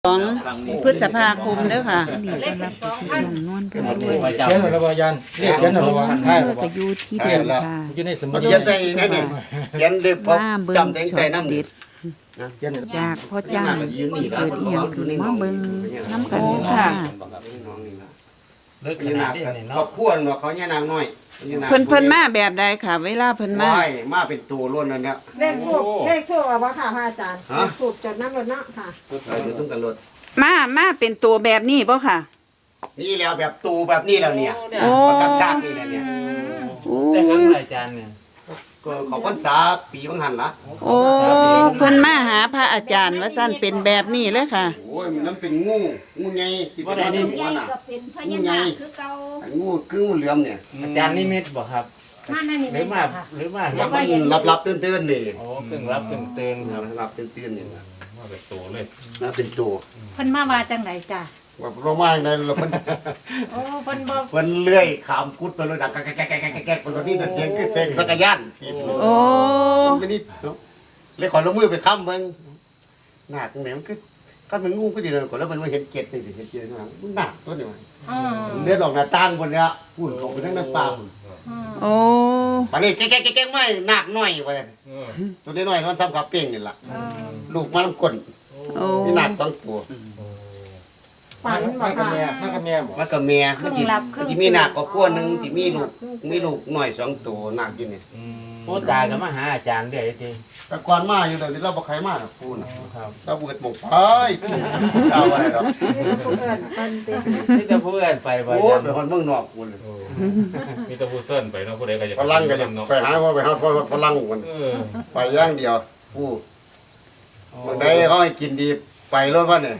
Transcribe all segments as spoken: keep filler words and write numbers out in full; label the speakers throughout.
Speaker 1: สองพฤษภาคมเด้อค่ะ
Speaker 2: นี่ต้อนรับไปที่ช่องนวลเพิ่นด้วย
Speaker 3: เขียนหรือว่ายันเรียกเขียนหรือว่าหันท้ายหรือ
Speaker 2: ก็
Speaker 3: ว่า
Speaker 2: อยู่ที่เดิมค่ะ
Speaker 3: อยู่ในสมุด
Speaker 4: เขียนใจนั่นนี่เขียนเรียบพอ
Speaker 2: มาเบิ่ง
Speaker 4: จำแต่ง
Speaker 2: ช็
Speaker 4: ใจ
Speaker 2: อต
Speaker 4: น้ำ
Speaker 2: เด็
Speaker 4: เด็
Speaker 2: ด
Speaker 4: ด
Speaker 2: จากพ่อจ้างที่เกิดอีหยังขึ้นมาเบิ่งน้ำกัน
Speaker 1: โอ้
Speaker 2: ค่ะ
Speaker 1: ค่ะ
Speaker 3: เลิกข
Speaker 4: นี่
Speaker 3: นา
Speaker 4: นา
Speaker 3: ดนี้นี่
Speaker 4: เขา
Speaker 3: เนาะ
Speaker 4: ควรว่าเขาเนี่ยนางน้อย
Speaker 1: เพิ่นเพิ่นมาแบบใดค่ะ เวลาเพิ่นมา
Speaker 4: ว่ายมาเป็นตัวล้วนนั่นเนี่ย
Speaker 5: เลขทูบเลขทูบเอาบ่ค่ะพระอาจารย์
Speaker 4: ฮะ
Speaker 5: เลขทูบจดน้ำรถเนาะค่ะ
Speaker 4: ไปอยู่ต้องกันรถ
Speaker 1: มามาเป็นตัวแบบนี้บ่ค่ะ
Speaker 4: นี่แล้วแบบตูแบบนี้แล้วเนี่ย
Speaker 1: โอ้
Speaker 4: ประกันซากนี่แหละเนี่ย
Speaker 1: โอ้
Speaker 3: ได้ครั้ง
Speaker 1: ย
Speaker 3: หลายจานเนี่ย
Speaker 4: ก็เขาพรรษาปีบางหันละ
Speaker 1: โอ้เพิ่นมาหาพระอาจารย์ว่าซั่นเป็นแบบนี้เลยค่ะ
Speaker 4: โอ้ยมันนั่นเป็นงูงูไงที่เป็นในหัวน่ะ
Speaker 5: ก็เป็นพญานาคคือเก่า
Speaker 4: งูคืองูเหลือมเนี่ย
Speaker 3: อาจารย์นิมิตบ่ครับ
Speaker 5: มานั่นนี่
Speaker 3: หรือมาหรือมา
Speaker 4: แล้วมันรับรับตื่นตื่นๆนี่
Speaker 3: โอ้กึ่งรับกึ่งตื่นครับ
Speaker 4: รับตื่นตื่นๆนี่นะ
Speaker 3: มาเป็นตัวเลย
Speaker 4: นะเป็นตัว
Speaker 5: เพิ่นมาว่าจังไดจ้ะ
Speaker 4: ว่าเรามาในเราเพิ่น
Speaker 5: โอ้เพิ่นบ่
Speaker 4: เพิ่นเลื่อยขามกุดไปเลยดังแก๊กแก๊กแก๊กแก๊กแก๊กเป็นนี่แต่เสียงคือเสียงสักรยานทีบ
Speaker 1: โอ้
Speaker 4: ไม่นิดเนาะเลยขอลงมือไปค้ำเบิ่งหนักเนี่ยมันคือก็มันงูก็ดีเลยก่อนแล้วมันมาเห็นเกล็ดนี่สิเห็นเกล็ดนะมันหนักตัวนี้มัน
Speaker 5: อือ
Speaker 4: เลือดออกหน้าต่างบนเนี้ยพุ่นเขาไปทั้งน้ำปลาพุ่น
Speaker 1: โอ้
Speaker 4: ปานนี้แก๊กแก๊กแก๊กไม่หนักหน่อยไปเลยตัวน้อยๆมันซ้ำกับเป้งนี่ล่ะลูกมันน้ำก้น
Speaker 1: โอ้
Speaker 4: มีหนักสองตัว
Speaker 5: ฝันบ่
Speaker 3: มันกับ
Speaker 5: ค่ะ
Speaker 3: แม่มันกับแม่บ่
Speaker 4: มันก็เมีย
Speaker 5: ครึ่
Speaker 4: มัน
Speaker 5: ง
Speaker 4: ที่
Speaker 5: หลับครึ่ง
Speaker 4: ที่มีหนักก็กลัวหนึงที่มีลูกมีลูกหน่อยสองตัวหนักอยู่นี่
Speaker 3: โอ้ตาก็มาหาอาจารย์เรื่อยที
Speaker 4: แต่ก่อนมาอยู่เดี๋ยวนี้เราบ่ใครมาหรอกปูน่ะ
Speaker 3: ครับ
Speaker 4: เราเบิดหมกไปปูเอาอะไรหรอก
Speaker 5: เพิ่นเพิ่นติ
Speaker 3: ที่จะพูดกันไปบ่
Speaker 4: โอ้
Speaker 3: อาจารย์
Speaker 4: ไปคนเมืองนอกปูเลย
Speaker 6: มีแตะพูเส้นไปเนาะผู้ใดก็จะ
Speaker 4: ฝรั่งก็จะไปหาว่าไปหาฝรั่งคน
Speaker 6: เออ
Speaker 4: ไปอย่างเดียวปูบางใดเขาให้กินดีไปรถว่าเนี่ย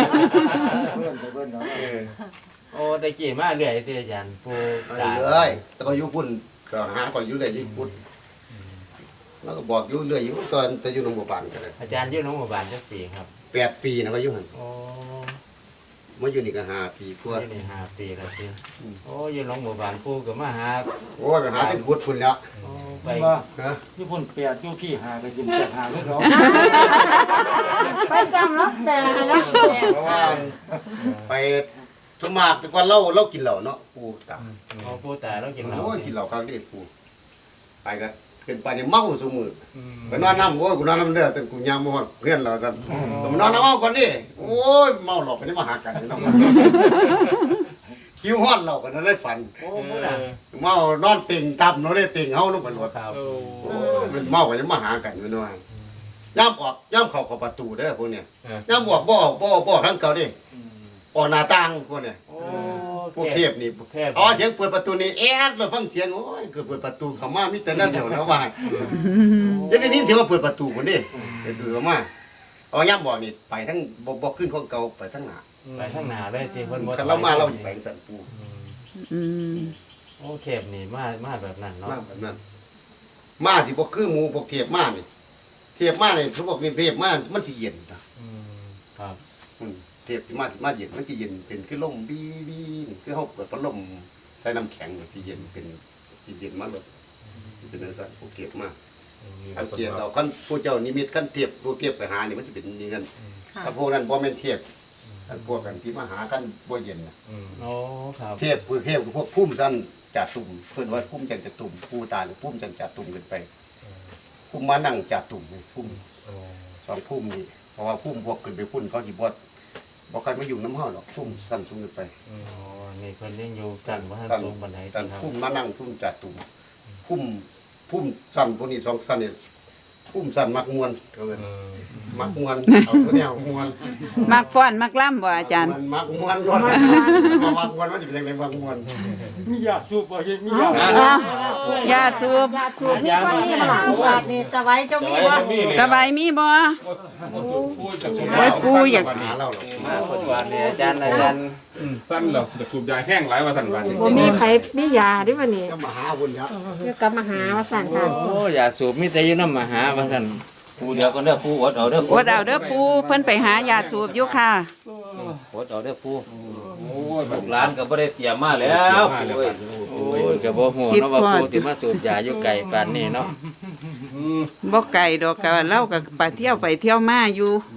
Speaker 3: โอ้ตะกี้มาเรื่อยทีอาจารย์ปู
Speaker 4: ไป
Speaker 3: ตา
Speaker 4: เลยแต่ก็อยู่พุ่นก็หาก็อยู่เลยอยู่พุ่นแล้วก็บอกอยู่เรื่อยอยู่ตอนจะอยู่โรงพยาบาลกันเลย
Speaker 3: อาจารย์อยู่โรงพยาบาลจักปีครับ
Speaker 4: แปดปีนะก็อยู่หัน
Speaker 3: โอ้
Speaker 4: มาอยู่นี่ก็ห้าปีกว่า
Speaker 3: ที่นี่ห้าปีแล้วสิโอ้อยู่โรงพยาบาลปูก็มาหา
Speaker 4: โอ้ยไปหาที่พุดพุ่นแล้ว
Speaker 3: โอ้ไป
Speaker 4: ฮะ
Speaker 3: ญี่ปุ่นเปียกอยู่พี่หาก็ยินแจกหาเลยเนาะ
Speaker 5: ไปจำรับแต่นะ
Speaker 4: เพราะว่าไปสมมากแต่ก่อนเราเรากินเหล้าเนาะปูตา
Speaker 3: โอ้ปูตาเรากินเหล้า
Speaker 4: โอ้ยกินเหล้าครั้งนี้ปูไปก็เป็นไปเนี่ยเมาซุมือไปนอนน้ำโอ้ยกูนอนน้ำเด้อแต่กูยามมาฮอดเพื่อนเราซั่นก็มานอนน้ำเมาก่อนดิโอ้ยเมาหลอกไปนี่มาหากันเนาะคิวฮอดเราก็นั่นได้ฝัน
Speaker 3: โอ้ปูตา
Speaker 4: เมานอนติ่งตับเนาะได้ติ่งเฮาลงไปรถ
Speaker 3: ครับ
Speaker 4: โอ้ยมันเมาก็จะมาหากันอยู่ด้วยย่ามออกย่ามเข้าเข้าประตูเด้อพวกเนี้ยย่ามออกบ่ออกบ่ออกบ่ออกทางเก่าดิออกหน้าต่างพวกเนี้ย
Speaker 3: โอ้
Speaker 4: พวกเทพนี่
Speaker 3: เทพ
Speaker 4: อ๋อเสียงเปิดประตูนี่แอดเราฟังเสียงโอ้ยเกิดเปิดประตูเข้ามามีแต่นั่นเดียวนะว่ายังได้ยินเสียงว่าเปิดประตูคนนี้เปิดประตูเข้ามาอ๋อย่ามบอกนี่ไปทั้งบ่บ่ขึ้นของเก่าไปทั้งหน้า
Speaker 3: ไปข้างหน้าเลยสิเพิ่นบ่
Speaker 4: คันเรามาเราสิไปสั่นปู
Speaker 1: อืม
Speaker 3: โอ้เทพนี่มามาแบบนั้นเนาะ
Speaker 4: มาแบบนั้นมาสิบ่คือหมู่พวกเทพมานี่เทพมานี่เขาบอกมีเทพมามันสิเย็นนะ
Speaker 3: อืมครับ
Speaker 4: อืมเทพสิมาสิมาเย็นมันสิเย็นเป็นคือลมบีบีคือเฮาเปิดพัดลมใส่น้ำแข็งสิเย็นเป็นสิเย็นมาเลยเป็นจังซั่นพวกเทพมาคันเกียรติเราคันผู้เจ้านิมิตคันเทพผู้เทพไปหานี่มันสิเป็นอย่างนั้นถ้าพวกนั้นบ่แม่นเทพคันพวกกันที่มาหากันบ่เย็นน่ะ
Speaker 3: โอ้ครับ
Speaker 4: เทพคือเทพคือพวกพุ่มสั้นจัดตุ่มเพิ่นว่าพุ่มจันจะตุ่มผู้ตายหรือพุ่มจันจัดตุ่มกันไปพุ่มมานั่งจัดตุ่มนี่พุ่มสองพุ่มนี่เพราะว่าพุ่มพวกขึ้นไปพุ่นเขาสิบ่บ่ค่อยมาอยู่น้ำเฮาหรอกพุ่มสั้นสูงขึ้นไป
Speaker 3: โอ้นี่เพิ่นยังอยู่กันบ่ทัน
Speaker 4: สั้น
Speaker 3: สูงปานใด
Speaker 4: สั้น
Speaker 3: ครับ
Speaker 4: พุ่มมานั่งพุ่มจัดตุ่มพุ่มพุ่มสั้นพวกนี้สองสั้นนี่พุ่มสั้นมักมวนเอิ้นมักมวนเอาตัวแนวมวน
Speaker 1: มักฟ้อนมักล่ำบ่อาจารย์
Speaker 4: มันมักมวนรถมามักมวนมันสิเป็นจังไดมักมวน
Speaker 3: มียาสูบบ่ใช่มียา
Speaker 1: อ้าวญาติสูบ
Speaker 5: ยาสูบนี่ก็มีหลายบาทนี่จะไว้เจ้ามีบ่
Speaker 1: สบายมีบ่ ไว้ปูอยาก
Speaker 4: หาเราหรอก
Speaker 3: มาเพิ่นว่านี่อาจารย์อาจารย์
Speaker 6: สั้นเหรอจะสูบยาแห้งหลายว่าสั้นวันนี้
Speaker 5: บ่มีไผมียาดิวันนี้
Speaker 4: ก็มาหาบุญแล้ว
Speaker 5: เดี๋ยวกลับมาหาว่าสั่นค่ะ
Speaker 3: โอ้ยาสูบมีแต่อยู่นำมหาว่าซั่น
Speaker 7: ปูเดียวก็เด้อปูอดเอาเด้อ
Speaker 1: อดเอาเด้อปูเพิ่นไปหายาสูบอยู่ค่ะ
Speaker 7: อดเอาเด้อปู
Speaker 6: โอ้ย
Speaker 7: ลูกหลานก็บ่ได้เตรียมมาแล้วปูเอ้ย
Speaker 3: โอ้ยก็บ่ฮู้เนาะว่าปู่สิมาสูบยาอยู่ไกลปานนี้เนาะ
Speaker 1: บ่ไกลดอกก็เราก็ไปเที่ยวไปเที่ยวมาอยู่
Speaker 3: อืม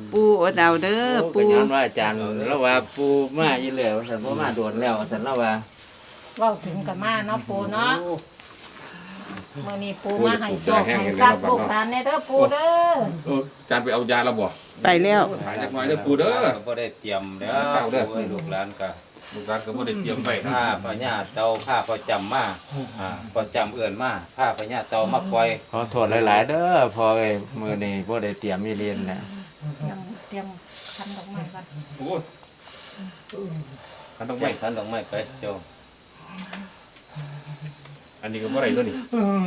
Speaker 1: ปูอดเอาเด้อ
Speaker 3: ปู
Speaker 1: ปู
Speaker 3: ย้อนว่าอาจารย์แล้วว่าปูมาอยู่แล้วสันบ่มาโดนแล้วสันแล้วว่า
Speaker 5: เว้าถึงกับมาเนาะปูเนาะมื้อนี้ปูมาให้โชคให้ทรัพย์ลูกหลานแน่เด้อปูเด้อ
Speaker 6: เอออาจารย์ไปเอายาแล้วบ่
Speaker 1: ไปแล้ว
Speaker 6: หายจักหน่อยเด้อปูเด้อ
Speaker 7: ก็บ่ได้เตรียมแล้ว
Speaker 6: เอาเด้อ
Speaker 7: โอ้ยลูกหลานก็
Speaker 6: ลูกหลานก็บ่ได้เตรียมไว้
Speaker 7: ผ้าพญาเตาผ้าประจำมาอ่าประจำเอื่นมาผ้าพญาเตามาปล่อย
Speaker 3: ขอโทษหลายๆเด้อพอเอ้ยมื้อนี้บ่ได้เตรียมมีเรียนนะ
Speaker 5: เตรียมเตรียมคันดอกไม้ก่อน
Speaker 6: โอ้ยคันต้อง
Speaker 7: ไม่
Speaker 6: ไว้
Speaker 7: ทันดอกไม้ไปเจ้า
Speaker 6: อันนี้ก็บ่ได้ตัวนี้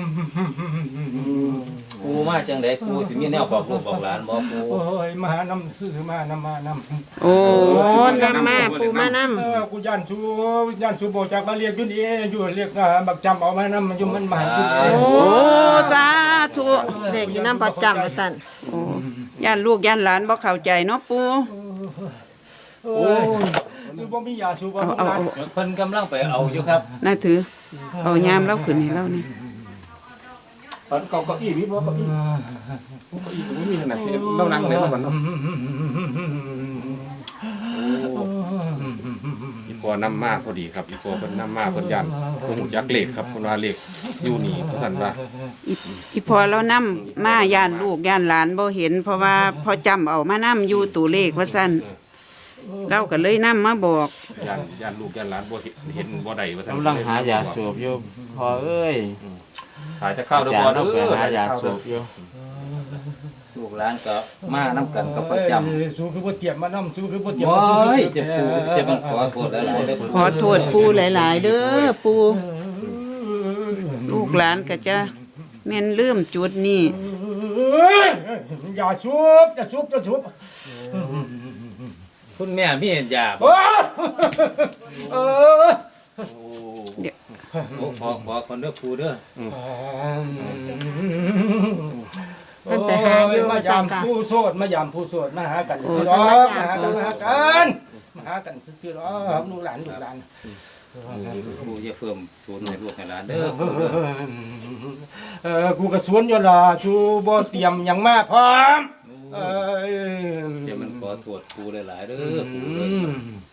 Speaker 7: ปูมาจังไดปูสิมีแนวบอกลูกบอกหลานบ่ปู
Speaker 8: โอ้ยมาหานำซื้อมานำมานำ
Speaker 1: โอ้นำมาปูมานำ
Speaker 8: เออกูย่านชูย่านชูโบจากมาเรียกอยู่นี่อยู่เรียกอ่าบักจำเอามานำมันอยู่มันมาให้อยู่
Speaker 1: โอ้สาธุ
Speaker 5: เด็กอยู่นำประจำว่าซั่น
Speaker 1: โอ้ย่านลูกย่านหลานบ่เข้าใจเนาะปู
Speaker 8: โอ้ยสูบ่มียาสูบ่
Speaker 1: เอา
Speaker 8: มี
Speaker 1: เอา
Speaker 8: ยา
Speaker 1: เอา
Speaker 7: เพิ่นกำลังไปเอาอยู่ครับ
Speaker 1: น่าถือเอายามเราขึ้นให้เรานี่
Speaker 6: ปันเก้าเก้าอี้มีบ่เก้าอี้เก้าอี้ก็บ่มีขนาดที่เรานั่งได้บ่บัดเนาะอีพอนำมาพอดีครับอีพอเพิ่นนำมาเพิ่นยันเพิ่นฮู้จักเลขครับเพิ่นว่าเลขอยู่นี่เพิ่นสั่นว่า
Speaker 1: อีอีพอเรานำมาย่านลูกย่านหลานบ่เห็น เพราะว่าพอจำเอามานํอยู่ตัวเลขว่าซั่นเราก็เลยนำมาบอก
Speaker 6: ย่านย่านลูกย่านหลานบ่เห็นเห็นบ่ได้ว่าซั่น
Speaker 3: กำลังหายาสูบอยู่พอเอ้ย
Speaker 6: ขายจะเข้า
Speaker 3: อา
Speaker 6: เด้อ
Speaker 3: จาร
Speaker 6: บ่
Speaker 3: ย์
Speaker 6: เด้
Speaker 3: เอาไป
Speaker 6: อ
Speaker 3: หายาสูบอยู่
Speaker 7: ลูกหลานก็มานํกันกับประจำ
Speaker 8: สูคือบ่เตรียมมานำสูคือบ่เตรียม
Speaker 7: โอ้
Speaker 8: มาสู
Speaker 7: ย
Speaker 8: คือ
Speaker 7: จะปูจะมันขอโทษหลายๆเด้อ
Speaker 1: ขอโทษปูหลาย ๆ เด้อปูลูกหลานก็จะแม่นลืมจุดนี้
Speaker 8: เอ้ยอย่าสูบอย่าสูบอย่าสูบ
Speaker 7: คุณแม่มียาบ่
Speaker 8: โอ้ยเออ
Speaker 7: โอ้ขอขอคนเด้อปูเด้อ
Speaker 5: เพิ่นไปหาอยู่
Speaker 8: มา
Speaker 5: ว่าซั่
Speaker 8: ยาน ม
Speaker 5: ค่ะ
Speaker 8: ผู้โสดมายามผู้โสดมาหากัน
Speaker 1: โอ้
Speaker 8: ซื้อหรอกมาหากันมาหากันมาหากันซื้อหรอกลูกหลานลูกหลาน
Speaker 7: ปูอย่าเพิ่มศูนย์ให้ลูกให้หลานเด้อปูเด้อ
Speaker 8: เออกูกระสวนอยู่ล่ะชูบ่เตรียมหยังมาพร้อมเออ
Speaker 7: จะมันขอโทษปูหลายๆเด้อปูเด้อ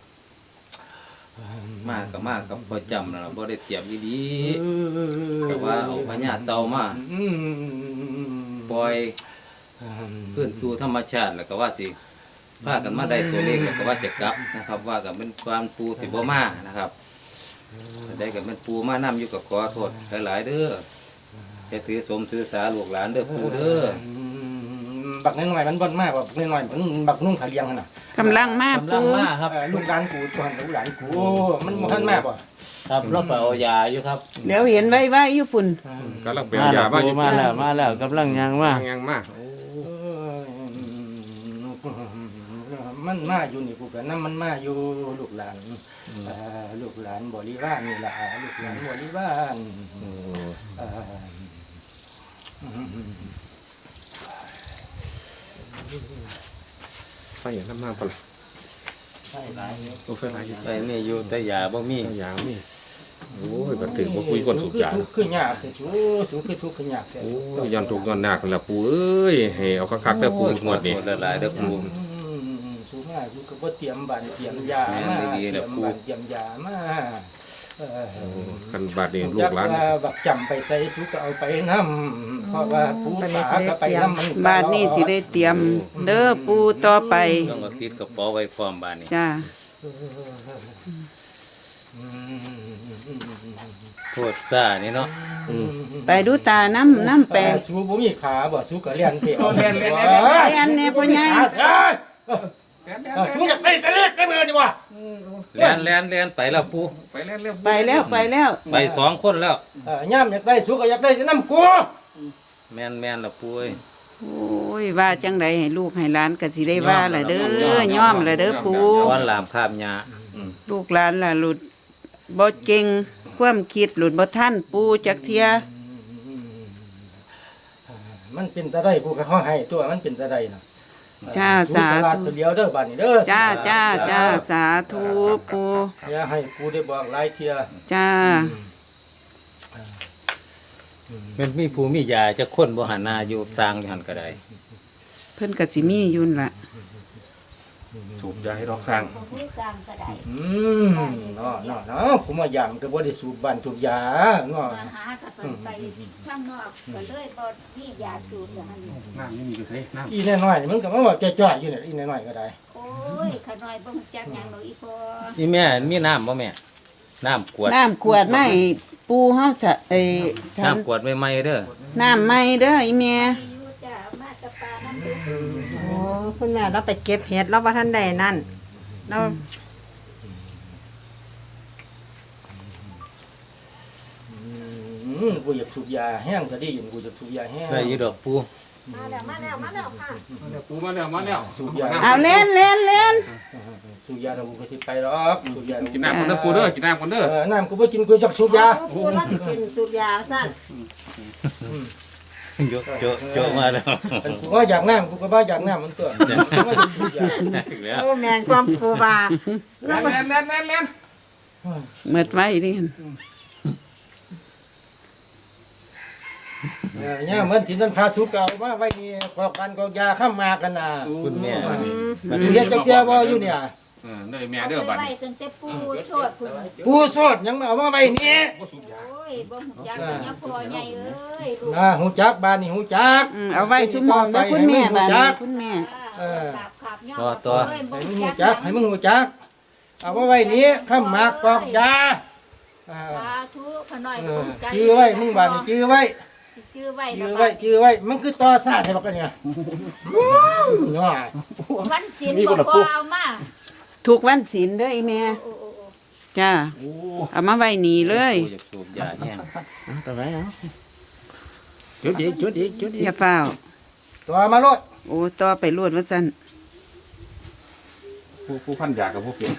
Speaker 7: มากก็มากกับประจำนะบ่ได้เตรียมดีๆแต่ว่าเอาพญาเตามาปล่อยขึ้นสู่ธรรมชาติแล้วก็ว่าสิพากันมาได้ตัวเลขแล้วก็ว่าจะกลับนะครับ ว่ากับเป็นความปูสิบ่มานะครับได้กับเป็นปูมานํอยู่กับขอโทษหลายๆเด้อจะถือสมถือสาลูกหลานเด้อปูเด้อ
Speaker 8: บักน้อยๆมันบ่นมากบักน้อยๆมันบักนุ่งขาเลียงน่ะ
Speaker 1: กำลังมาก
Speaker 7: กำลั
Speaker 1: ปู
Speaker 7: งมาครับ
Speaker 8: เออลูกหลานกูจวนลูกหลานกูมันบ่ทันมาบ่
Speaker 7: ครับเราไปเอายาอยู่ครับ
Speaker 1: เดี๋ยวเห็นไว้ไว้อยู่พุ่น
Speaker 6: กำลังไป
Speaker 3: มา
Speaker 6: เอา
Speaker 3: แล้
Speaker 6: ยาว มาอยู่
Speaker 3: มาแล้วมาแล้วกำลังยังมา
Speaker 6: ยังมา
Speaker 8: มันมาอยู่นี่กูก็นำมันมาอยู่ลูกหลานเอ่อลูกหลานบริวารนี่ล่ะลูกหลานบริวารเอ่อ
Speaker 6: ไฟน้ำมาปะล่ะ
Speaker 8: ใช่หลายอยู่
Speaker 6: โอ้ไฟหลายอยู่
Speaker 7: ไปนี่อยู่แต่ยาบ่มี
Speaker 6: ยางนี่โอ้ยบัดถึงบ่คุยคนสุกยา
Speaker 8: คือคือยากแต่สูสูคือทุกข์คือยากแต่
Speaker 6: โอ้ยย้อนทุกข์ย้อนหนักนั่นล่ะปู่เอ้ยให้เอาคักๆเด้อปู่งวดนี้
Speaker 7: ขอโทษหลายๆเด้อปู
Speaker 8: สูงอ่ะอยู่ก็บ่เตรียมบ้านเตรียมยามา
Speaker 7: แม่นดี
Speaker 8: เต
Speaker 7: ๆ
Speaker 8: รี
Speaker 7: แล้
Speaker 8: ยว ม
Speaker 7: ปู่
Speaker 8: บ้านเตรียมยามาเออ
Speaker 6: คันบาดนี้ลูกหลาน
Speaker 8: จัว่าบักจำไปใส่สุก็เอาไปนำเพราะว่าปูตาก็ไปนำมัน
Speaker 1: บาทนี้สิได้เตรียม เด้อปูต่อไป
Speaker 7: ต้องเอาติดกระเป๋าไว้พร้อมบ้านนี้
Speaker 1: จ้า
Speaker 7: โทษซ่านี่เนาะ
Speaker 1: ไปดูตาน้ำน้ำแปลง
Speaker 8: สูบ่มีขาบ่สูก็เลียนเตะ
Speaker 1: เรียนแน่พ่อใหญ่
Speaker 8: สูอยากได้ทะเลกันมือนี่ว่ะ
Speaker 7: แล่นแล่นแล่นไปแล้วปู
Speaker 6: ไปแล้วเร็ว
Speaker 1: ไปแล้วไปแล้ว
Speaker 7: ไปสองคนแล้ว
Speaker 8: เออย่ามอยากได้สูก็อยากได้นำกู
Speaker 7: แม่นแม่นแล้วปูเอ้ย
Speaker 1: โอ้ยว่าจังไดให้ลูกให้หลานก็สิได้ว่าล่ะเด้อย่อมล่ะเด้อปู
Speaker 7: ก้อนลามภาพยา
Speaker 1: ลูกหลานล่ะหลุดบ่เก่งความคิดหลุดบ่ทันปูจักเทีย
Speaker 8: มันเป็นตะได้ผู้ก็เฮาให้ตัวมันเป็นตะได้น่ะ
Speaker 1: จ้า
Speaker 8: สู
Speaker 1: สา
Speaker 8: สลัด
Speaker 1: ธุ
Speaker 8: เสียวเด้อบัดนี้เด้อ
Speaker 1: จ้าจ้าจ้าสาธุปู
Speaker 8: อย่าให้กูได้บอกหลายเที่ย
Speaker 1: จ้า
Speaker 7: แม่นมีผู้มียาจะคนบ่หันหน้าอยู่สร้างอยู่หันก็ได้
Speaker 1: เพิ่นก็สิมีอยู่นั่นล่ะ
Speaker 6: สูบยาให้ดอกสร้าง
Speaker 5: ผู้สร้างก็ได้
Speaker 8: อืมเนาะเนาะเนาะผมว่ายามก็บ่ได้สูบบ้านสูบยาเนาะ
Speaker 5: มาหาก็ต้องไปข้างนอกก็เลยบ่มียาสูบอย่างนั้น
Speaker 6: น้ำนี่มีก็ใช้น้
Speaker 8: อีน้อยๆนี่มันก็มาว่าจ้อยๆอยู่เนี่ยอีน้อยๆก็ได้
Speaker 5: โอ้ยขน้อยบ่ฮู้จักหยังดอกอีพอ
Speaker 7: นี่แม่มีน้ำบ่แม่น้ำขวด
Speaker 1: น้ำขวดไม่ปูเฮาจะเอ้ฉัน
Speaker 7: น้ำขวดใหม่ๆเด้อ
Speaker 1: น้ำไม่เด้ออีแม่
Speaker 5: อยู่จ้ะมาตะปาน้ำเด้อ
Speaker 2: โอ้คุณแม่เราไปเก็บเห็ดเราบ่ทันได้นั่นเรา
Speaker 8: อืมกูอยากสูบยาแห้งก็ดีอยู่กูจะสูบยาแห้ง
Speaker 7: ได้อยู่ดอกปู
Speaker 5: มาแล้วมาแล้วมาแล้วค่ะ
Speaker 6: ำเนี่ยปูมาแล้วมาแล้ว
Speaker 8: สูบยา
Speaker 1: เอาเล่นเล่นเล่น
Speaker 8: สูบยาเรากูก็สิไปหรอกสูบยา
Speaker 6: กินน้ำกันเด้อปูเด้อกินน้ำกันเด้อ
Speaker 8: เออน้ำกูบ่กินกูจักสูบยา
Speaker 2: ปูเราสิเป็นสูบยาซั่น
Speaker 7: ยกโจะโจะมาแล้ว
Speaker 8: อันกูว่าอยากน้ำกูก็บ่อยากน้ำมันตัวกูว่าจะสูบยา
Speaker 7: อีกแล้ว
Speaker 2: โอ้แม่นความปูว่า
Speaker 6: แล่นแล่นแล่นแล่นแล่น
Speaker 1: เมิดไว้ดิ
Speaker 8: เออเนี่ยเหมือนที่นั่นพาสูบเก่ามาไว้นี่กอกกันกอกยาข้ามมากันน่ะ
Speaker 7: คุณแม่
Speaker 8: สิเฮ็ดจักเจียบ่อยู่เนี่ย
Speaker 6: เออเด้อแม่เด้อบัด
Speaker 5: ไป
Speaker 6: นี้
Speaker 5: ตั้งแต่ปูโทษพุ่น
Speaker 8: ปูโสดยังมาเอามาไว้นี่
Speaker 6: บ่สูบยา
Speaker 5: โอ้ยบ่ฮู้จักหยังพอใหญ่เอ้ยลูก
Speaker 8: อ่าหูจักบ้านนี่หูจัก
Speaker 1: อืมเอาไว้ชั่วโมงเด้อคุณแม่บาดนี้คุณแม่
Speaker 8: เออ
Speaker 5: ขับขับย่อ
Speaker 7: ต่อต่อ
Speaker 5: เอ้ยบ่
Speaker 8: ให้มึง
Speaker 5: ฮู้
Speaker 8: หู
Speaker 5: จั
Speaker 8: จั
Speaker 5: ก
Speaker 8: กให้มึงหูจักเอามาไว้นี่ข้ามมากอกยาอ่า
Speaker 5: สาธุขน้อย
Speaker 8: เอ
Speaker 5: บ่
Speaker 8: อ
Speaker 5: ฮู้จัก
Speaker 8: จื้อไว้มึงบ้านนี่จื้อไว้
Speaker 5: จื้อไว้
Speaker 8: จื้
Speaker 5: นะ
Speaker 8: อไว้จื้อไว้มันคือต่อซาดให้บักกันเนี่ยเนาะ
Speaker 5: วันศีลบ่พอเอามา
Speaker 1: ทุกวันศีลเด้ออีแม่
Speaker 5: โอ้โอ้โอ้
Speaker 1: จ้าเอามาไว้นี่เลย
Speaker 7: ปูอยากสูบยาแห้ง
Speaker 3: ต่อไปเอาจุดอีกจุดอีกจุดอีก
Speaker 1: อย่าเฝ้าว
Speaker 8: ตัวมาโลด
Speaker 1: โอ้ต่อไปรวดว่าซั่น
Speaker 6: ปูปูพันยากับพวกเปลี่ยน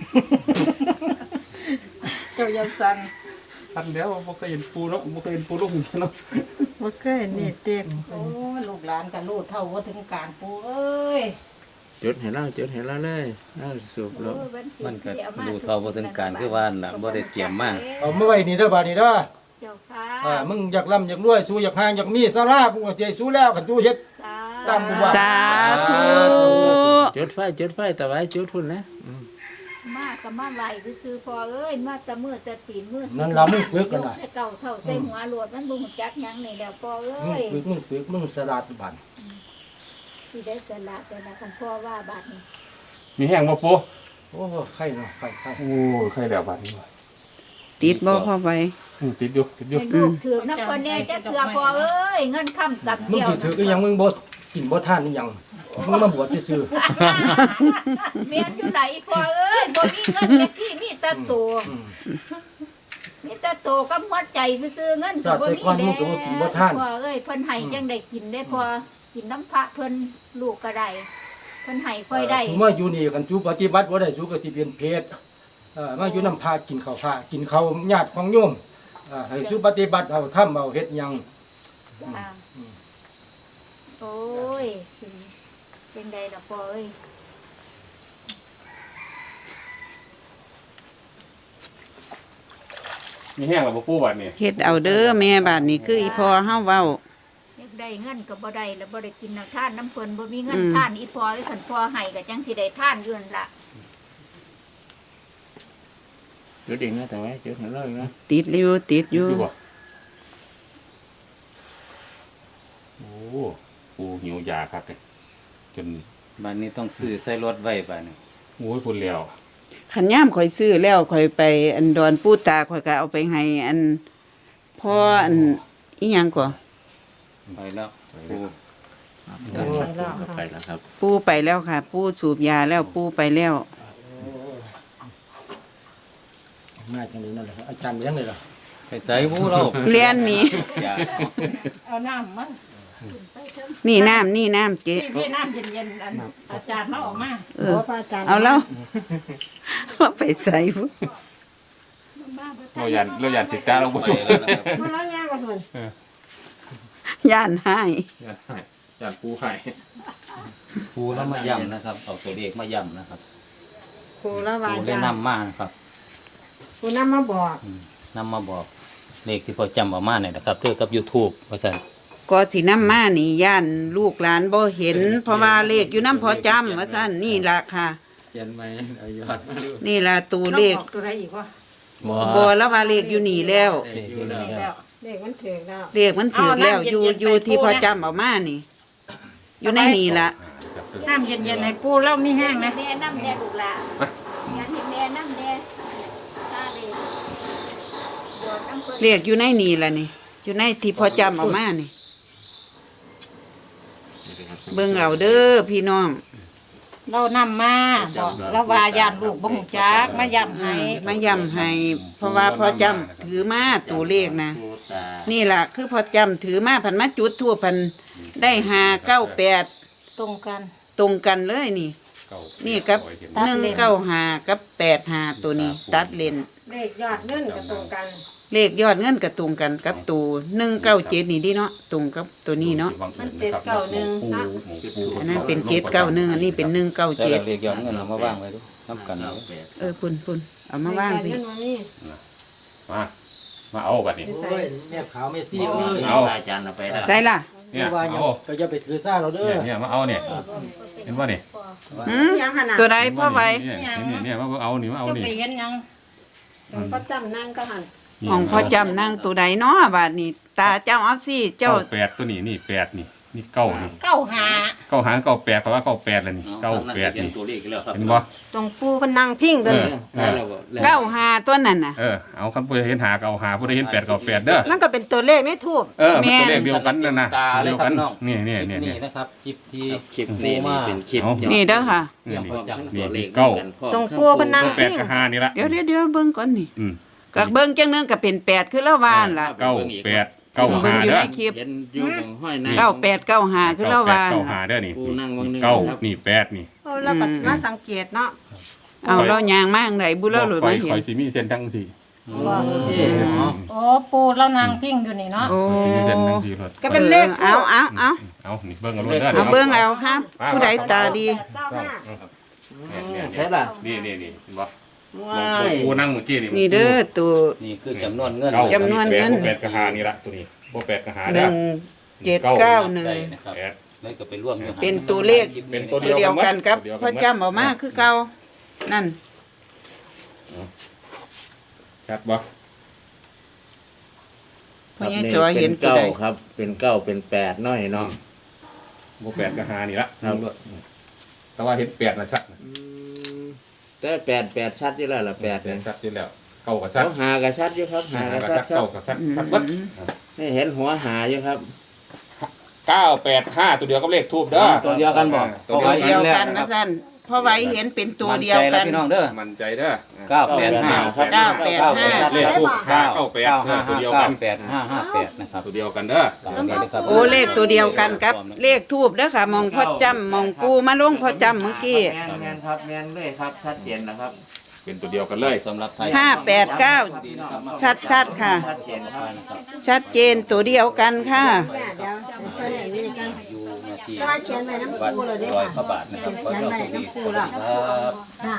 Speaker 2: เจ้ายังสั่น
Speaker 6: พันแล้วบ่เคยเห็นปูเนาะบ่เคยเห็นปูลูกเนาะ
Speaker 2: บ่เคยนี่เต็ม
Speaker 5: โอ้ยลูกหลานก็รู้เท่าว่าถึงการปูเอ้ย
Speaker 3: จุดให้เราจุดให้เราเลยเอาสูบแล้
Speaker 5: โอ้
Speaker 3: วย
Speaker 5: วันศีล
Speaker 7: มันก็
Speaker 5: ที่อม
Speaker 7: ดูเท่าบ่ถึงการคือว่าน่ะบ่ได้เตรียมมา
Speaker 8: เอามาไว้นี่เด้อบ้านนี่เด้อ
Speaker 5: เจ้าค่ะ
Speaker 8: อ่ามึงอยากร่ำอยากรวยสู้อยากหางอยากมีสารากูก็สิสู้แล้วคันสู้เฮ็ด
Speaker 5: สา
Speaker 8: ตามกูว่า
Speaker 1: สาธุ
Speaker 3: จุดไฟจุดไฟต่อไปจุดพุ่นนะ
Speaker 5: มาก็มาไหวซื่อๆพอเอ้ยมาแต่มือแต่ตีนมือ
Speaker 8: นั่นล่ะมึงฝึกกันน่ะ
Speaker 5: ใส่เก่าเท่าใส่หัวหลวดมันบ่ฮู้จักหยังนี่แหล้วพอเอ้
Speaker 8: มึง
Speaker 5: ย
Speaker 8: ฝึกมึงฝึกมึงสลัดบ้าน
Speaker 5: สิได้สละแต่ละคันพ่อว่าบาดนี้
Speaker 6: มีแห้งบ่ปู
Speaker 8: โอ้ไข่เนาะไข่ไข่
Speaker 6: โอ้ใครแล้วบัดนี้
Speaker 1: ติดบ่พอไว้
Speaker 6: อืมติดอยู่ติดอยู่
Speaker 5: ให้ลูกถือน้ำคนแน่จะเถื่อพอเอ้ยเงินค้ำกับ
Speaker 8: มึง
Speaker 5: เดียว
Speaker 8: สิถือก็ยังมึงบ่กินบ่ทานนี่ยังมึงมาบวชซื่อ
Speaker 5: เมียนอยู่ไหนพอเอ้ยบ่มีเงินแค่สิมีแต่ตัว
Speaker 8: ๆอืม
Speaker 5: มีแต่ตัวกับหัวใจซื่อๆเงินก็บ่มี
Speaker 8: สัตว์แต่ก่อนมึ
Speaker 5: แล้
Speaker 8: งก็บ่กินบ่
Speaker 5: ว
Speaker 8: ทาน
Speaker 5: พอเอ้ยเพิ่นให้จังได้กินได้พอกินน้ำพระเพิ่นลูกก็ได้เพิ่นให้ค่อยได้
Speaker 8: สมมาอยู่นี่กันจูปฏิบัติบ่ได้จูก็สิเป็นเพศเอ่อมาอยู่นำพากินข้าวพระกินข้าวญาติของโยมอ่าให้สุปฏิบัติเอาทำเอาเฮ็ดหยัง
Speaker 5: จ้าโอ้ยสิเป็นไดล่ะพ่อเอ้ย
Speaker 6: มีแห้งแล้วบ่ปูบัดนี้
Speaker 1: เฮ็ดเอาเด้อแม่บาดนี้คืออีพอเฮาเว้า
Speaker 5: อยากได้เงินก็บ่ได้แล้วบ่ได้กินน้ำทานน้ำเพิ่นบ่มีเงิน
Speaker 1: อืม
Speaker 5: ทานอีพ่อไอ้คันพ่อให้ก็จังสิได้ทานอยู่นั่นล่ะ
Speaker 3: จุดอีกนะต่อไปจุดให้เราอีกนะ
Speaker 1: ติดอยู่ติดอยู่
Speaker 6: อยู่บ่โอ้ปูหิวยาครับเนี่ยจน
Speaker 7: บัดนี้ต้องซื้อใส่รถไว้บัดนี้
Speaker 6: โอ้ยพุ่นแล้ว
Speaker 1: ขันย่ามข่อยซื้อแล้วข่อยไปอันดอนปูตาข่อยก็เอาไปให้อันพ่ออันอีหยังก่อ
Speaker 7: ไปแล้วปู
Speaker 3: ไปแล้วครับ
Speaker 1: ปูไปแล้วค่ะ ปูสูบยาแล้วปูไปแล้ว
Speaker 8: มาจังได๋นั่นแหละอาจารย์เลี้ยงเลยล่ะ
Speaker 7: ไปใส่ปูเรา
Speaker 1: เรียนนี่
Speaker 7: ยา
Speaker 5: เอาน้ำมา
Speaker 1: นี่น้ำนี่น้ำเจ๊
Speaker 5: พี่พี่น้ำเย็นๆอันอาจารย์มาออกมา
Speaker 1: เออเอาแล้วเอาไปใส่บุ
Speaker 6: เรายันเรายันติดตาเราบ่
Speaker 7: ไป
Speaker 6: อยู่
Speaker 7: แล้วนะครับ
Speaker 2: มาแล้วย่างกันพุ่น
Speaker 1: ย่านให้
Speaker 6: ยันให้ยันปูให้
Speaker 7: ปูแล้วมาย่ำนะครับเอาตัวเลขมาย่ำนะครับ
Speaker 2: ปูละว่า
Speaker 7: ปูได้
Speaker 2: จ้าน
Speaker 7: ำมานะครับ
Speaker 2: ปูนำมาบอก
Speaker 7: นำมาบอกเลขที่พอจำเอามาเนี่ยนะครับเท่ากับ YouTube ว่าซั่น
Speaker 1: ก็สินำมานี่ย่านลูกหลานบ่เห็น เพราะว่าเลขอยู่นำพอจำว่าซั่นนี่ล่ะค่ะ
Speaker 3: เขียนไหมเอายอดมาดู
Speaker 1: นี่ล่ะตัวเลข
Speaker 5: น้องบอกตัวใดอีกวะ
Speaker 1: บ่แล้วว่าเลขอยู่นี่แล้ว
Speaker 3: อยู่แล้ว
Speaker 5: แล้วเลขมันถึงแล้ว
Speaker 1: เลขมันถูกแล้วอยู่อยู่ที่พอจำเอามานี่ อยู่ในนี่ล่ะ
Speaker 5: น้ำเย็นๆให้ปูเล่ามีแห้งนะ
Speaker 2: แม่น้ำแดงลูกหลานอยากให้แม่น้ำแดงตาเลยบวชน้ำเพิ่น
Speaker 1: เลขอยู่ในนี่ล่ะนี่ อยู่ในที่พอจำเอามานี่ เบิ่งเอาเด้อพี่น้อง
Speaker 5: เรานำมาบอกเราว่าญาติลูกบ่ฮู้จักมาย้ำให้
Speaker 1: มาย้ำให้ เพราะว่าพอจำถือมาตัวเลขนะ
Speaker 3: ปูตา
Speaker 1: นี่ล่ะ คือพอจำถือมาพันมาจุดทั่วพันได้ห้าเก้าแปด
Speaker 5: ตรงกัน
Speaker 1: ตรงกันเลยนี่ นี่กับหนึ่งเก้าห้ากับแปดห้าตัวนี้ ตัดเลน
Speaker 5: เลขยอดเงินก็ตรงกัน
Speaker 1: เลขยอดเงินกับตรงกันกับตัวหนึ่งเก้าเจ็ดนี่ดิเนาะตรงกับตัวนี้เนาะ
Speaker 5: มันเจ็ดเก้าหนึ่งนะ
Speaker 1: อันนั้นเป็นเจ็ดเก้าหนึ่งอันนี้เป็นหนึ่งเก้า
Speaker 7: ใส่
Speaker 1: เจ็ด
Speaker 7: เลขยอดเงินเอามาวางไว้ดูนำกันเอา
Speaker 1: เออปุ่นปุ่นเอามาว่างพี่
Speaker 6: มามาเอาบัดนี้
Speaker 8: โอ้ยแม่ขาวแม่ซี่เอ้ย
Speaker 3: เอาอาจารย์เอาไปแล้ว
Speaker 1: ใส่ล่ะ
Speaker 6: เนี่ย
Speaker 8: ว่าอย่า
Speaker 6: เอา
Speaker 8: ก็จะไปถือซ่าเราเด้อ
Speaker 6: เนี่ยเนี่ยมาเอาเนี่ยเห็นว่านี่
Speaker 1: หืมตัวใดพ่อไว้
Speaker 6: เนี่ยเนี่ยเนี่ยมาเอานี่มาเอา
Speaker 5: จะ
Speaker 6: นี่
Speaker 5: ไปเห็นหยัง
Speaker 2: ก็จำนั่งก็หัน
Speaker 1: ของพ่อจำนั่งตัวใดเนาะบาดนี้ ตาเจ้าเอาสิเจ้า
Speaker 6: เก้าแปดตัวนี้นี่แปดนี่นี่เก้านี่
Speaker 5: เก้าหา
Speaker 6: เก้าหางเก้าแปดเพราะว่าเก้าแปดเลยนี่เก้าแปดนี่
Speaker 7: ตัวเลขอีกแล้วครับ
Speaker 6: เห็นบ่
Speaker 2: ตรงปูเพนนั่งพิง
Speaker 6: เอ
Speaker 2: ตัว
Speaker 6: อ
Speaker 2: นี้
Speaker 6: เออ
Speaker 1: เก้าห้าตัวนั้นน่ะ
Speaker 6: เออเอาคำพูดเห็นหาเก้าหาพูดเห็นแปดเก้าแปดเด้อ
Speaker 2: นั่นก็เป็นตัวเลขไม่ถูก
Speaker 6: เออมันตัวเลขเดียวกันนั่นนะ
Speaker 7: ตาเลย
Speaker 6: เดียว
Speaker 7: ครั
Speaker 6: กับ น
Speaker 7: น้อง
Speaker 6: นี่นี่
Speaker 7: คลิ
Speaker 6: นี่
Speaker 7: ป
Speaker 6: นี่
Speaker 7: นี้นะครับคลิปที่
Speaker 3: คลิปนี้นี่เป็นคลิป
Speaker 6: เอา
Speaker 1: นี่เด้อค่ะ
Speaker 6: นี่
Speaker 3: พร้อมทั้งตัวเลข
Speaker 6: เก้า
Speaker 3: กันพร้อม
Speaker 2: ตรงปูเพนนั่ง
Speaker 6: แปดกับห้านี่ละ
Speaker 1: เดี๋ยวเดี๋ยวเดี๋ยวเบิ่งก่อนนี่
Speaker 6: อืม
Speaker 1: ก็เบิ่งจังหนึงก็เป็นแปดคือละวานล่ะ
Speaker 6: เก้าแปดเก้า
Speaker 1: เบิ่ง
Speaker 6: หา
Speaker 1: อยู่
Speaker 6: เด้อ
Speaker 1: ในคลิป
Speaker 3: เห็นอยู่ของห้อยใน
Speaker 1: เก้าแปดเก้าห้าคือละวาน
Speaker 6: เก้า
Speaker 1: ล่ะ
Speaker 6: หาเด้อนี่
Speaker 3: ปูนั่งวางหนึ่ง
Speaker 6: เก้า
Speaker 3: ครับ
Speaker 6: นี่แปดนี่
Speaker 2: เราก็สิมาสังเกตเนาะ
Speaker 1: เอาเรายางมากไหนบุเราหลุด
Speaker 6: คอ
Speaker 1: มาย เห็
Speaker 6: คอน ยซีมีเส้นทั้งสี่
Speaker 5: โอ้ปูแล้วนางพิงอยู่นี่เนาะ
Speaker 1: โอ้
Speaker 6: มีเส้นทั้งสี่รถ
Speaker 2: ก็เป็นเลข
Speaker 1: เอาเอาเอา
Speaker 6: เอานี่เบิ้งเอารถเด้อ
Speaker 1: เอาเบิ่งเอาครับ ผู้ใดตาดี
Speaker 2: เก้าห้า
Speaker 3: ใช่ป่ะ
Speaker 6: นี่นี่นี่เห็นบ่
Speaker 3: ว้าย
Speaker 6: กูนั่งเมื่อกี้นี่
Speaker 1: นี่เด้อตัว
Speaker 7: นี่คือจำนวนเงิน
Speaker 6: เก้า
Speaker 1: จำนวนเงิน
Speaker 6: แปดกับหานี่ละตัวนี้บ่แปดกับหา
Speaker 1: ห
Speaker 6: เด้อ
Speaker 1: นึ่งเจ็ดเก้าหนึ่ง
Speaker 7: ได้นะครับ
Speaker 6: แปด
Speaker 7: แล้วก็ไปร่วมอยู่
Speaker 1: เป็นตัวเลข
Speaker 6: เป็นตัว
Speaker 1: ตัวเดียวกันครับพ่อจำออกมาคือเก่านั่น
Speaker 6: ชัดบ่
Speaker 1: พ่อยังสวยเห็นตัว
Speaker 3: เก้า
Speaker 1: ใด
Speaker 3: ครับ เป็นเก้าเป็นแปดน้อยเนาะ
Speaker 6: บ่แปดกับหานี่ละ
Speaker 3: ครับ
Speaker 6: แต่ว่าเห็นแปดนะชัด
Speaker 3: แต่แปดแปดชัดอยู่แล้วล่ะแปด
Speaker 6: แป
Speaker 3: เนี่
Speaker 6: ด
Speaker 3: ย
Speaker 6: ชัดอยู่แล้วเก้ากับชั
Speaker 3: เขา
Speaker 6: ด
Speaker 3: หากับชัดอยู่ครับหา
Speaker 6: หา
Speaker 3: กับ
Speaker 6: กับ
Speaker 3: ชั
Speaker 6: ชั
Speaker 3: ด
Speaker 6: ด
Speaker 3: ครั
Speaker 6: เก้า
Speaker 3: บ
Speaker 6: กับชัดชัดเบิด
Speaker 3: นี่เห็นหัวหาอยู่ครับ
Speaker 6: เก้าแปดห้าตัวเดียวกับเลขทูบเด้อ
Speaker 7: ตัวเดียวกันบ่
Speaker 6: ตัว
Speaker 1: ตัว
Speaker 6: เดี
Speaker 1: เดี
Speaker 6: ย
Speaker 1: ยว ว
Speaker 6: กัน
Speaker 1: กันนะท่านพ่อไว้เห็นเป็นตัวเดียวกัน
Speaker 7: มั่ใจแล้พี่น้องเด้อ
Speaker 6: มั่นใจเด้อ
Speaker 7: เก้าแปดห้า
Speaker 1: เก้าแปดห้า
Speaker 6: เลขทูบห้าเก้าแปด
Speaker 7: เก้า
Speaker 6: เอ
Speaker 7: ห้า
Speaker 6: อตัว
Speaker 7: ห้า
Speaker 6: เดียว
Speaker 7: เก้า
Speaker 6: กัน
Speaker 7: แปดห้าห้าแปดนะครับ
Speaker 6: ตัวเดียวกันเด้อ
Speaker 7: ตามนี้เลยครับ
Speaker 1: โอ้เลขตัวเดียวกันครับ เลขทูบเด้อค่ะ มองพ่อจำมองปูมาลงพ่อจำเมื่อกี้
Speaker 3: แมนแมนครับแมนเลยครับชัดเจนนะครับ
Speaker 6: เป็นตัวเดียวกันเลย
Speaker 7: สำหรับไทย
Speaker 1: ห้าแปดเก้าชัดชัดๆค่ะ
Speaker 3: ชัดเจนครับ
Speaker 1: ชัดเจนตัวเดียวกันค่ะ
Speaker 2: แม่เดี๋ยวเพิ่นให้นี่กัน
Speaker 7: อยู่นาที
Speaker 2: แต่ว่าเขียนไว้น้ำ
Speaker 7: วัด
Speaker 2: ปูเลยเด้
Speaker 7: ร้อย
Speaker 2: ค่ะ
Speaker 7: พระบาทนะครับขอ
Speaker 2: เขียน
Speaker 7: เจ้า
Speaker 2: ไว้
Speaker 7: สุขดี
Speaker 2: น้ำปู
Speaker 7: สวัส
Speaker 2: ละ
Speaker 7: ดีครับ
Speaker 2: ค่ะ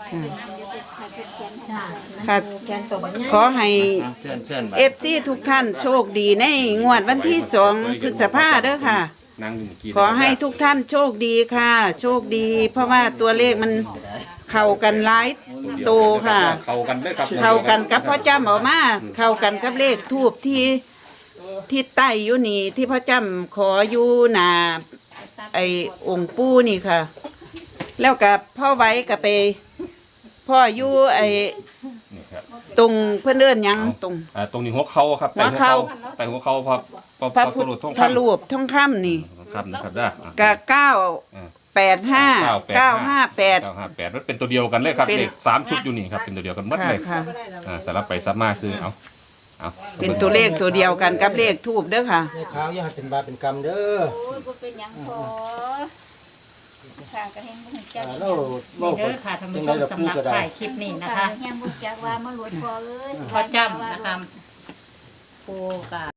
Speaker 1: ค่ะ
Speaker 2: เขียนตัวบัญญัติ
Speaker 1: ขอให้
Speaker 3: อ่ะเชิญเชิญไป
Speaker 1: เอฟซีทุกท่านโชคดีในงวดวันที่สองพฤษภาเด้อค่ะ
Speaker 6: นั่งอยู่เมื่อกี้
Speaker 1: ขอให้ทุกท่านโชคดีค่ะ โชคดี เพราะว่าตัวเลขมันเข้ากันหลายตัวค่ะ
Speaker 6: เข้ากันได้อครับ
Speaker 1: เข้ากันกับพ่อจำออกมาเข้ากันกับเลขทูบที่ที่ใต้อยู่นี่ที่พ่อจำขออยู่หนาไอ้องค์ปู่นี่ค่ะ แล้วกับพ่อไว้กับไป พ่ออยู่ไอ้
Speaker 6: นี่ครับ
Speaker 1: ตรงเพื่อนเลื่อนหยังตรง
Speaker 6: อ่าตรงนี้หัวเข่าครับ
Speaker 1: หัวเข่า
Speaker 6: ใส่หัวเข่าพอพอ
Speaker 1: พระ
Speaker 6: พ
Speaker 1: พุ
Speaker 6: อ
Speaker 1: ท
Speaker 6: ตรวจท่อง
Speaker 1: ธ
Speaker 6: คำ
Speaker 1: รูปทองคำนี่
Speaker 6: ครับนะครับได้อ่ะ
Speaker 1: กะเก้า
Speaker 6: อ่า
Speaker 1: แปดห้าเก้าห้าแปด
Speaker 6: เก้าห้าแปดมันเป็นตัวเดียวกันเลยครับ
Speaker 1: เป็น
Speaker 6: เลขสามชุดอยู่นี่ครับเป็นตัวเดียวกันหมด
Speaker 1: ค่ะ
Speaker 6: เลย
Speaker 1: ค่ะ
Speaker 6: อ่าสลับไปสลับมาซื้อเอาเอา
Speaker 1: เป็นตัวเลขตัวเดียวกันกับเลขทูบเด้อค่ะ
Speaker 8: แม่ขาวอย่าให้เป็นบาปเป็นกรรมเด้อ
Speaker 2: โอ้ยบ่เป็นหยังพอทางกระเฮงบ่ฮู้จัก
Speaker 8: อ่าเรา
Speaker 5: นี่เด้อค่ะท่านผู้ชมสำหรับถ่ายคลิปนี้นะคะ
Speaker 2: แฮงบ่จักว่ามาหลวดพอเลย
Speaker 5: พอจำนะคะปูกา